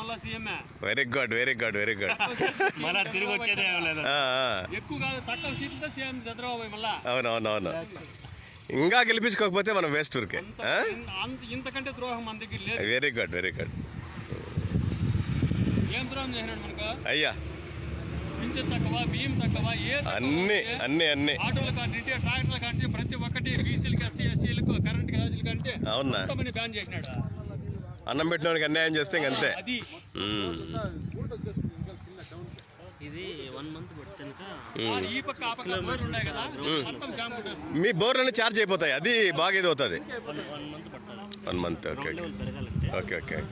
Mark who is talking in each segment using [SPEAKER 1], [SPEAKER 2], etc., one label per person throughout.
[SPEAKER 1] మళ్ళా CMA.
[SPEAKER 2] Very good very good very good.
[SPEAKER 1] మళ్ళా తిరిగి వచ్చేదే లేదు. ఎక్కువ కాదు తక్కువ సీట్లతో సీఎం చంద్రబాబు మళ్ళా.
[SPEAKER 2] అవునవునవును. ఇంకా గెలిపించుకోకపోతే మనం వేస్ట్ ఊరికే.
[SPEAKER 1] ఇంతకంటే ద్రోహం మన దగ్గర లేదు.
[SPEAKER 2] Very good very good.
[SPEAKER 1] ఏం ద్రోహం చేసినాడు మనకు?
[SPEAKER 2] అయ్యా
[SPEAKER 1] పింఛన్ తక్కువ, బియ్యం తక్కువ,
[SPEAKER 2] అన్ని అన్ని అన్ని
[SPEAKER 1] ఆటోల కంటే ట్రాక్టర్ల కంటే ప్రతి ఒక్కటి బీసీలకు, ఎస్సీ ఎస్టీలకు, కరెంట్ గ్యాసుల కంటే
[SPEAKER 2] అవునా
[SPEAKER 1] బ్యాన్ చేసినాడు.
[SPEAKER 2] అన్నం పెట్టినోడికి అన్యాయం చేస్తే ఇంకంతే. మీ బోర్లన్నీ ఛార్జ్ అయిపోతాయి, అది బాగా ఇది అవుతుంది. 1 month. Okay okay okay okay.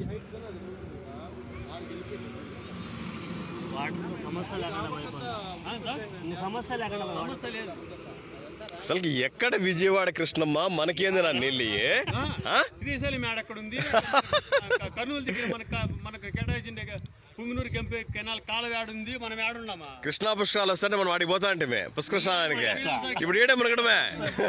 [SPEAKER 2] అసలు ఎక్కడ విజయవాడ కృష్ణమ్మ మనకేంది నా నీళ్ళు?
[SPEAKER 1] శ్రీశైలం ఎక్కడ ఉంది? కర్నూలు దగ్గర మనకు కేటాయించింది పుంగనూరు కెనాల్ కాలువ ఉంది. మనం ఏడున్నామా?
[SPEAKER 2] కృష్ణా పుష్కరాలు వస్తుంటే మనం వాడికి పోతా అంటే పుష్కర స్నానానికి. ఇప్పుడు ఏడే మునగడమే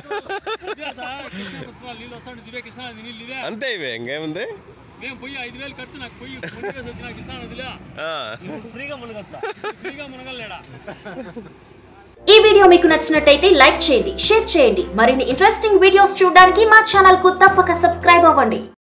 [SPEAKER 1] నీళ్ళు వస్తాడు. దివే కృష్ణా నీళ్ళు ఇవే
[SPEAKER 2] అంతే. ఇవే ఇంకేముంది?
[SPEAKER 1] మేము పోయి 5,000 ఖర్చు నాకు పోయి వచ్చిన కృష్ణా నదిలో ఫ్రీగా మునగలేడా.
[SPEAKER 3] ఈ వీడియో మీకు నచ్చినట్టయితే లైక్ చేయండి, షేర్ చేయండి. మరిన్ని ఇంట్రెస్టింగ్ వీడియోస్ చూడడానికి మా ఛానల్ కు తప్పక సబ్స్క్రైబ్ అవ్వండి.